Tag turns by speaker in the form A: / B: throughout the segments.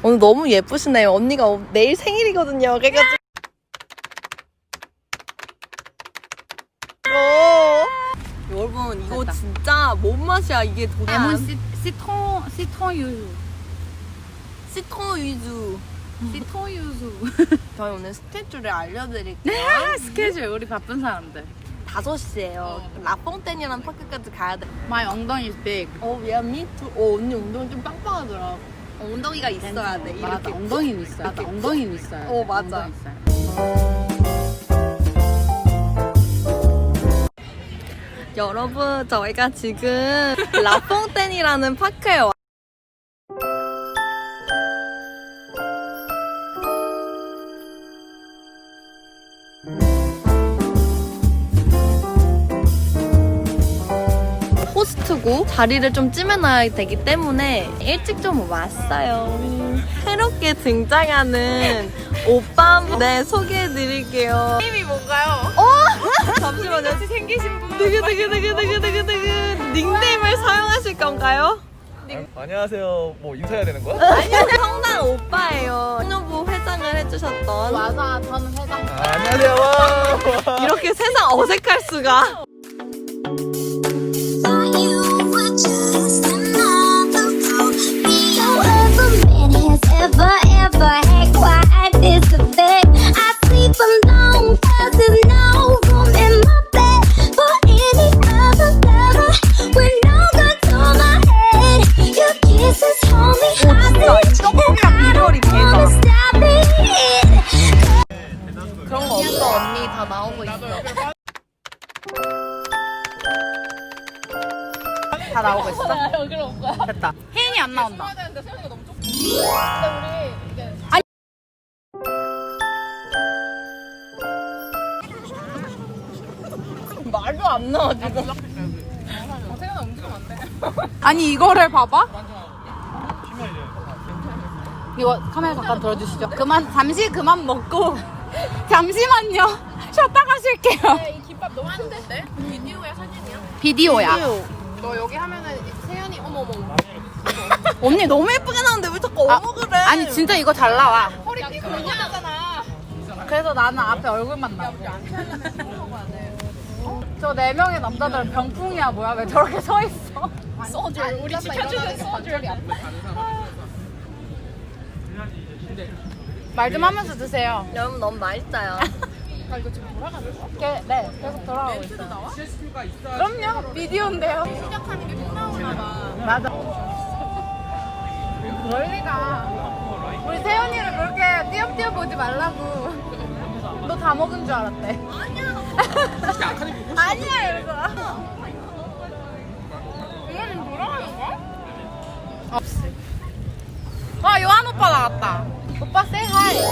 A: 오늘 너무 예쁘시네요. 언니가 내일 생일이거든요. 그래가지고 여러분 이거
B: 됐다.
A: 진짜 뭔 맛이야 이게 도대체.
B: 레몬 시통 유수.
A: 시트론 위주.
B: 시통 유수.
A: 저희 오늘 스케줄을 알려드릴게요.
B: 스케줄 우리 바쁜 사람들.
A: 5시에요. 라퐁텐이라는 파크까지 가야 돼.
B: My 엉덩이 is big.
A: yeah, me too. 언니 엉덩이 좀 빵빵하더라. 엉덩이가 있어야 돼.
B: 맞아,
A: 이렇게.
B: 엉덩이는 있어요. 맞아, 엉덩이는 있어요.
A: 맞아.
B: 엉덩이 있어요.
A: 여러분, 저희가 지금 라퐁텐이라는 파크에 와. 호스트고 자리를 좀 찜해놔야 되기 때문에 일찍 좀 왔어요. 새롭게 등장하는 오빠 네 소개해드릴게요.
B: 이름이 뭔가요?
A: 잠시만요.
B: 같이 생기신 분.
A: 드그드그드그드그드그 닉네임을 사용하실 건가요?
C: 안녕하세요. 뭐 인사해야 되는 거야?
A: 아니요, 성당 오빠예요. 소녀부 회장을 해주셨던.
B: 맞아, 저는 회장.
C: 안녕하세요. 와.
A: 이렇게 세상 어색할 수가.
D: Thought you were just another fool. No other man has ever had quite this effect. I sleep alone 'cause there's no room in my bed for any other lover. With no guns on my head, your kisses hold me hostage, and I don't wanna stop it.
A: 그런 거 없어, 언니. 다 나오고 있어. 다 나오고 있어? 됐다.
B: 혜인이 안 나온다.
A: 말도 안 나와, 지금.
B: 아니 이거를 봐봐. 이거 카메라 잠깐 들어주시죠. 잠시 그만 먹고 잠시만요. 쉬었다 가실게요.
E: 이 김밥 너무 큰데? 비디오야 사진이야?
B: 비디오야.
E: 너 여기 하면은 세연이 어머머
A: 언니 너무 예쁘게 나오는데 왜 자꾸 어머 그래?
B: 아니 진짜 이거 잘 나와.
E: 허리 띠고 그냥하잖아.
B: 그래서 나는 앞에 얼굴만 나와. 저 4명의 남자들은 병풍이야 뭐야? 왜 저렇게 서 있어?
E: 소주 우리 지켜주는 소주야.
B: 말 좀 하면서 드세요.
A: 여러분 너무 맛있어요.
E: 아 이거 지금 돌아가는 거야?
B: 네, 계속 돌아가고 있어요.
E: 나와?
B: 그럼요, 비디오인데요.
E: 시작하는 게 꼭 나오나 봐.
B: 맞아. 그럴 리가. 우리 세연이를 그렇게 띄엄띄엄 보지 말라고. 너 다 먹은 줄 알았대. 아니야, 이러고.
E: 이거 지금 돌아가는 거야?
B: 없어. 요한 오빠 나왔다. 오빠 say hi.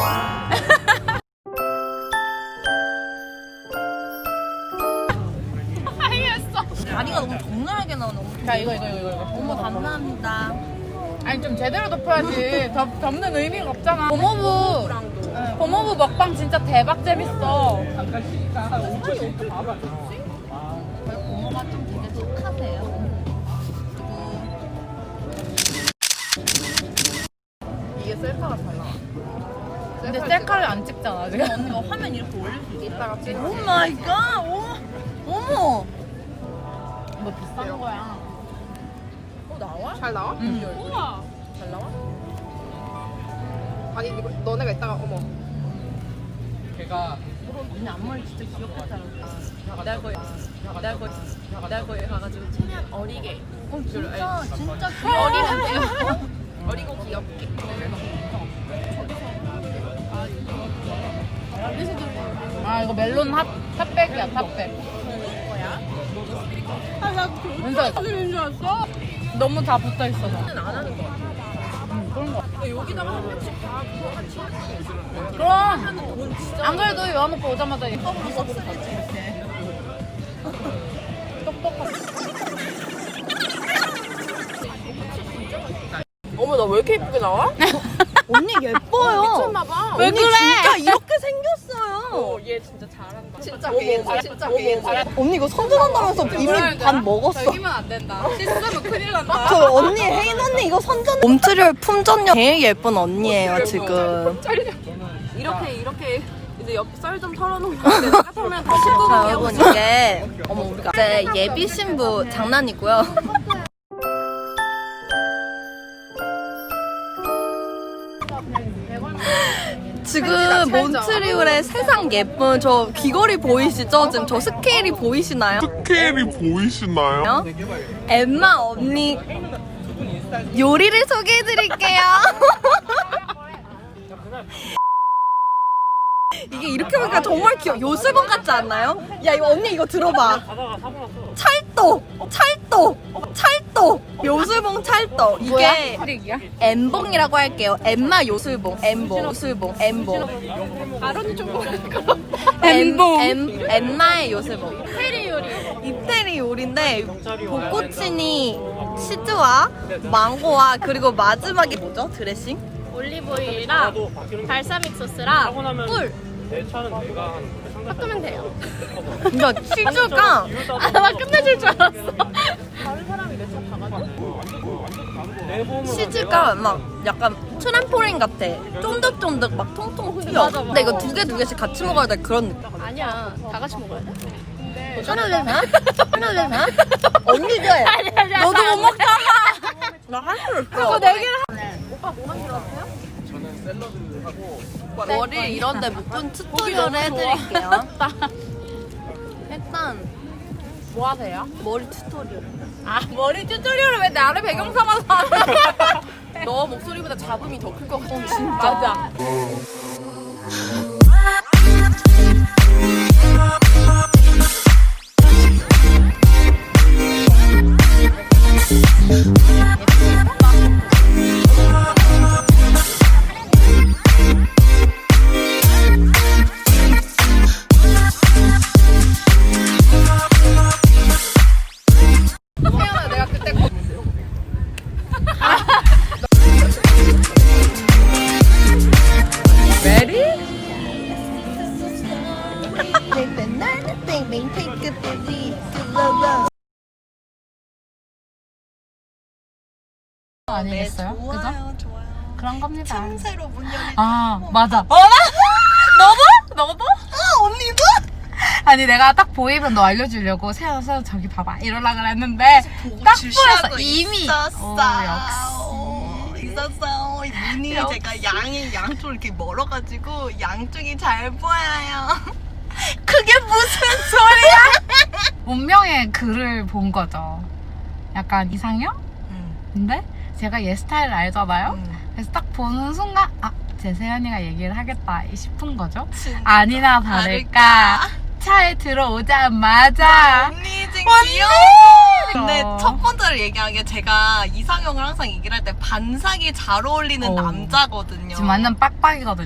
A: 다리가 너무 적나라하게 나오네.
B: 자, 이거.
A: 어머, 감사합니다.
B: 아니, 좀 제대로 덮어야지. 덮는 의미가 없잖아. 고모부 먹방 진짜 대박 재밌어.
A: 고모가 좀 되게 착하세요.
E: 이게 셀카가 잘 나와.
B: 근데 셀카를 안 찍잖아, 지금.
A: 언니가 화면 이렇게 올릴 수 있어.
E: 이따가 찍어.
A: 오 마이 갓! 어머!
B: 뭐 비싼 거야.
E: 나와? 잘 나와?
B: 응.
E: 우와. 잘 나와? 아니 이거 너네가 이따가 어머.
A: 언니 앞머리 진짜 귀엽게 자랐다. 내가 거기 가가지고 최대한 어리게. 진짜 귀여워.
E: 어리고 귀엽게.
B: 이거 멜론 핫백이야, 핫백.
E: 아나
B: 은서야.
E: 교수님인 줄 알았어.
B: 너무 다 붙어 있어서.
E: 안 하는 거 같아.
B: 그런 거.
E: 근데 여기다가 한 명씩 다 그거 같이 하는 거
B: 그럼.
E: 돈 진짜.
B: 안 그래도 요한 오빠 오자마자
E: 떡으로 썩쓰리지 이렇게.
B: 똑똑하고.
E: 어머 나 왜 이렇게 예쁘게 나와?
A: 언니 예뻐요.
E: 미쳤나봐.
B: 왜
A: 언니
B: 그래?
A: 진짜 이렇게 생겼어요.
E: 얘 진짜 잘한다.
A: 진짜 게임. 진짜 게임.
F: 언니 이거 선전한다면서 이미 반 먹었어.
B: 저기면 안 된다. 씻으면 큰일 난다.
F: 저 언니 혜인 언니 이거 선전. 몸트리얼 품전력 제일 예쁜 언니예요 지금.
A: 이렇게 이제 쌀 좀 털어놓으면 내가 털면 다시
F: 자
A: 뜯어내고
F: 여러분 이게 어머 우리가 이제 예비 신부 장난이고요. 지금 몬트리올의 세상 예쁜 저 귀걸이 보이시죠? 지금 저 스케일이 보이시나요?
G: 스케일이 보이시나요?
F: 엠마 언니 요리를 소개해드릴게요. 이게 이렇게 보니까 정말 귀여워. 요술봉 같지 않나요? 야 이거 언니 이거 들어봐. 찰떡 요술봉 찰떡. 이게
B: 트릭이야?
F: 엠봉이라고 할게요. 엠마 요술봉 엠봉 요술봉 엠봉.
B: 아론이 좀 뭐랄까?
F: 엠마의 요술봉. 이태리 요리인데 볶고치니 치즈와 망고와 그리고 마지막에 뭐죠? 드레싱?
E: 올리브오일이랑 발사믹 소스랑 꿀 섞으면 돼요.
F: 그러니까 치즈가
E: 아마 끝내줄 줄 알았어.
F: 치즈가 막 약간 트램폴린 같아. 쫀득쫀득 막 통통 휘어.
E: 맞아.
F: 근데 이거 두 개씩 같이 먹어야 돼 그런 느낌.
E: 아니야, 다 같이 먹어야 돼.
F: 하나래나? 언니 돼. 너도 못 먹잖아. 나 할 수 있어.
B: 네 개를
C: 저는 샐러드하고
F: 머리 이런데 묶은 튜토리얼을 해드릴게요. 일단
B: 뭐 하세요?
F: 머리 튜토리얼.
B: 아 머리 튜토리얼을 왜 나를 배경 삼아서 하는?
A: 너 목소리보다 잡음이 더 클 것 같아.
B: 진짜. 맞아.
A: 태연아 내가 그때
B: 아니겠어요? 그죠?
F: 좋아요 좋아요.
B: 그런 겁니다.
F: 틈새로 문 열리.
B: 아 맞아. 너도?
F: 언니도?
B: 아니 내가 딱 보이면 너 알려주려고 세워서 저기 봐봐 이러려 그랬는데 딱 보였어 이미.
F: 있었어.
B: 역시.
F: 있었어. 눈이 제가 양이 양쪽 이렇게 멀어가지고 양쪽이 잘 보여요. 그게 무슨 소리야?
B: 운명의 글을 본 거죠. 약간 이상형? 근데 제가 얘 스타일을 알잖아요. 그래서 딱 보는 순간 제 세연이가 얘기를 하겠다 싶은 거죠. 아니나 다를까 차에 들어오자마자
F: 언니 지금 귀여워. 근데 첫 번째로 얘기한 게 제가 이상형을 항상 얘기를 할 때 반삭이 잘 어울리는 남자거든요.
B: 지금 완전 빡빡이거든요.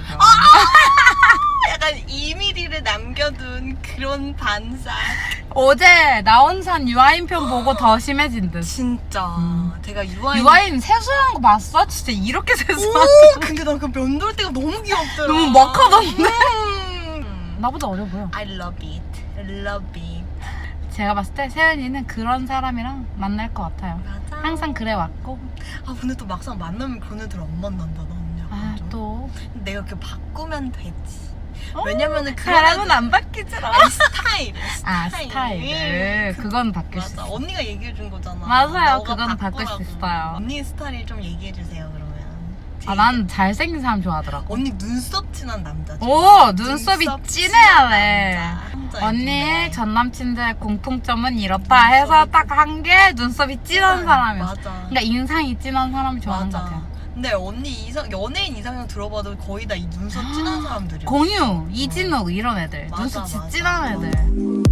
F: 약간 2mm를 남겨둔 그런 반삭.
B: 어제 나온산 유아인 편 보고 더 심해진 듯.
F: 진짜 제가
B: 유아인 세수한 거 봤어? 진짜 이렇게 세수한
F: 오, 근데 나 그 면도할 때가 너무 귀엽더라.
B: 너무 막하던데? 나보다 어려 보여.
F: I love it. I love it.
B: 제가 봤을 때 세연이는 그런 사람이랑 만날 것 같아요.
F: 맞아.
B: 항상 그래 왔고.
F: 아 근데 또 막상 만나면 걔네들 안 만난다 나 언니야.
B: 또
F: 내가 이렇게 바꾸면 되지. 왜냐면은
B: 사람은 안 바뀌잖아.
F: 아니, 스타일.
B: 스타일을 그건 바뀔 수
F: 맞아.
B: 있어.
F: 언니가 얘기해 준 거잖아.
B: 맞아요.
F: 너가
B: 그건 바꿀
F: 바꾸라고.
B: 수 있어요.
F: 언니 스타일 좀 얘기해 주세요 그러면.
B: 난 잘생긴 사람 좋아하더라고.
F: 언니 눈썹 진한 남자.
B: 오 눈썹이 진해야 돼.
F: 남자
B: 언니의 전 남친들의 공통점은 이렇다 해서 딱 한 게 눈썹이 진한 사람이었어.
F: 맞아.
B: 그러니까 인상이 진한 사람이 좋아하는 것 같아요.
F: 근데 언니 연예인 이상형 들어봐도 거의 다 이 눈썹 진한 사람들이야.
B: 공유, 이진욱 이런 애들.
F: 맞아,
B: 눈썹
F: 맞아.
B: 진한 애들.